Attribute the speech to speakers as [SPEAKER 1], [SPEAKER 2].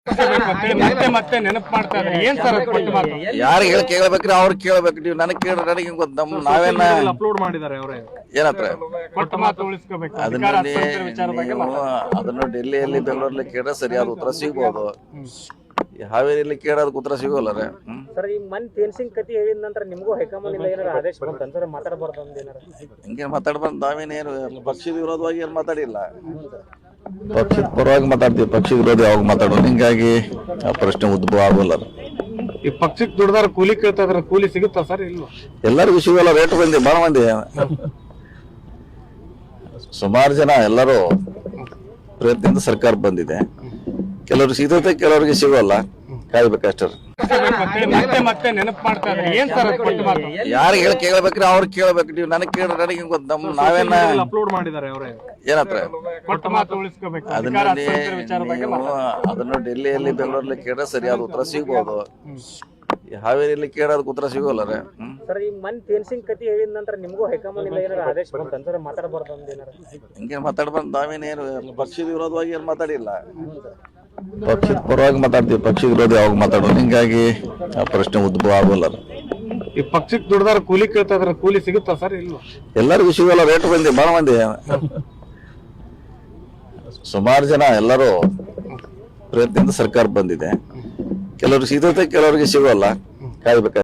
[SPEAKER 1] ಮತ್ತೆ ಮತ್ತೆ ನೆನಪು ಮಾಡ್ತಾ ಇದ್ದಾರೆ. ಏನ್ ಸರ್ ಅದು ಕೊಟ್ಟು ಮಾತು?
[SPEAKER 2] ಯಾರು ಕೇಳಬೇಕ್ರಿ ಅವ್ರು ಕೇಳಬೇಕು. ನೀವು ನನಗೆ ಕೇಳ್ರಿ, ನನಗೆ ಗೊತ್ತ. ನಾವೇನ
[SPEAKER 1] ಅಪ್ಲೋಡ್ ಮಾಡಿದ್ದಾರೆ ಅವರೇ.
[SPEAKER 2] ಏನತ್ರ
[SPEAKER 1] ಕೊಟ್ಟು ಮಾತು ಉಳಿಸ್ಕೋಬೇಕು.
[SPEAKER 2] ಅದನ್ನು ಡೆಲ್ಲಿಯಲ್ಲಿ ಬೆಂಗಳೂರಲ್ಲಿ ಕೇಳಿದ್ರೆ ಸರಿಯಾದ ಉತ್ತರ ಸಿಗ್ಬೋದು. ಹಾವೇರಿಯಲ್ಲಿ ಕೇಳೋದಕ್ಕೆ ಉತ್ತರ ಸಿಗೋಲ್ಲ ರೀ.
[SPEAKER 3] ಸರ್, ಈ ಮನ್ ತೇನ್ಸಿಂಗ್ ಕತಿ ಹೇಳಿದ ನಂತರ ನಿಮಗೂ ಹೈಕಮಾಂಡ್ ಇಂದ ಏನಾರ ಆದೇಶ ಬಂತ ಸರ್? ಮಾತಾಡಬಾರ್ದು ಅಂದೇನಾರ?
[SPEAKER 2] ಹಿಂಗೇನು ಮಾತಾಡ್ಬಾರ್ದು. ನಾವೇನೇನು ಪಕ್ಷದ ವಿರೋಧವಾಗಿ ಏನು ಮಾತಾಡಿಲ್ಲ. ಪಕ್ಷದ ಪರವಾಗಿ ಮಾತಾಡ್ತೀವಿ, ಪಕ್ಷದ ವಿರೋಧ ಯಾವಾಗ ಮಾತಾಡೋದು. ಹಿಂಗಾಗಿ ಆ ಪ್ರಶ್ನೆ ಉದ್ಭವ ಆಗೋಲ್ಲ.
[SPEAKER 1] ಈ ಪಕ್ಷಕ್ಕೆ ದುಡ್ದಾರ ಕೂಲಿ ಕೇಳ್ತಾ ಇದಾರೆ, ಕೂಲಿ ಸಿಗುತ್ತಾ ಸರ್? ಇಲ್ವಾ?
[SPEAKER 2] ಎಲ್ಲರಿಗೂ ಸಿಗೋಲ್ಲ. ರೇಟ್ ಬಂದಿ ಬಹಳ ಮಂದಿ, ಸುಮಾರು ಜನ ಎಲ್ಲರೂ ಪ್ರಯತ್ನದಿಂದ ಸರ್ಕಾರ ಬಂದಿದೆ. ಕೆಲವ್ರಿಗೆ ಸಿಗುತ್ತೆ, ಕೆಲವರಿಗೆ ಸಿಗೋಲ್ಲ. ಕಾಯ್ಬೇಕಷ್ಟೇ.
[SPEAKER 1] ಮತ್ತೆ ಮತ್ತೆ ನೆನಪು ಮಾಡ್ತಾ ಇದ್ದಾರೆ. ಏನ್ ಸರ್ ಅದು ಕೊಟ್ಟು ಮಾತು?
[SPEAKER 2] ಯಾರು ಕೇಳಬೇಕ್ರಿ ಅವ್ರು ಕೇಳಬೇಕು. ನೀವು ನನಗೆ ಕೇಳ್ರಿ, ನನಗೆ ಗೊತ್ತ. ನಾವೇನ
[SPEAKER 1] ಅಪ್ಲೋಡ್ ಮಾಡಿದ್ದಾರೆ ಅವರೇ.
[SPEAKER 2] ಏನತ್ರ
[SPEAKER 1] ಕೊಟ್ಟು ಮಾತು ಉಳಿಸ್ಕೋಬೇಕು.
[SPEAKER 2] ಅದನ್ನು ಡೆಲ್ಲಿಯಲ್ಲಿ ಬೆಂಗಳೂರಲ್ಲಿ ಕೇಳಿದ್ರೆ ಸರಿಯಾದ ಉತ್ತರ ಸಿಗ್ಬೋದು. ಹಾವೇರಿಯಲ್ಲಿ ಕೇಳೋದಕ್ಕೆ ಉತ್ತರ ಸಿಗೋಲ್ಲ ರೀ.
[SPEAKER 3] ಸರ್, ಈ ಮನ್ ತೇನ್ಸಿಂಗ್ ಕತಿ ಹೇಳಿದ ನಂತರ ನಿಮಗೂ ಹೈಕಮಾಂಡ್ ಇಂದ ಏನಾರ ಆದೇಶ ಬಂತ ಸರ್? ಮಾತಾಡಬಾರ್ದು ಅಂದೇನಾರ?
[SPEAKER 2] ಹಿಂಗೇನು ಮಾತಾಡ್ಬಾರ್ದು. ನಾವೇನೇನು ಪಕ್ಷದ ವಿರೋಧವಾಗಿ ಏನು ಮಾತಾಡಿಲ್ಲ. ಪಕ್ಷದ ಪರವಾಗಿ ಮಾತಾಡ್ತೀವಿ, ಪಕ್ಷದ ವಿರೋಧ ಯಾವಾಗ ಮಾತಾಡೋದು. ಹಿಂಗಾಗಿ ಆ ಪ್ರಶ್ನೆ ಉದ್ಭವ ಆಗೋಲ್ಲ.
[SPEAKER 1] ಈ ಪಕ್ಷಕ್ಕೆ ದುಡ್ದಾರ ಕೂಲಿ ಕೇಳ್ತಾ ಇದಾರೆ, ಕೂಲಿ ಸಿಗುತ್ತಾ ಸರ್? ಇಲ್ವಾ?
[SPEAKER 2] ಎಲ್ಲರಿಗೂ ಸಿಗೋಲ್ಲ. ರೇಟ್ ಬಂದಿ ಬಹಳ ಮಂದಿ, ಸುಮಾರು ಜನ ಎಲ್ಲರೂ ಪ್ರಯತ್ನದಿಂದ ಸರ್ಕಾರ ಬಂದಿದೆ. ಕೆಲವ್ರಿಗೆ ಸಿಗುತ್ತೆ, ಕೆಲವರಿಗೆ ಸಿಗೋಲ್ಲ. ಕಾಯ್ಬೇಕು.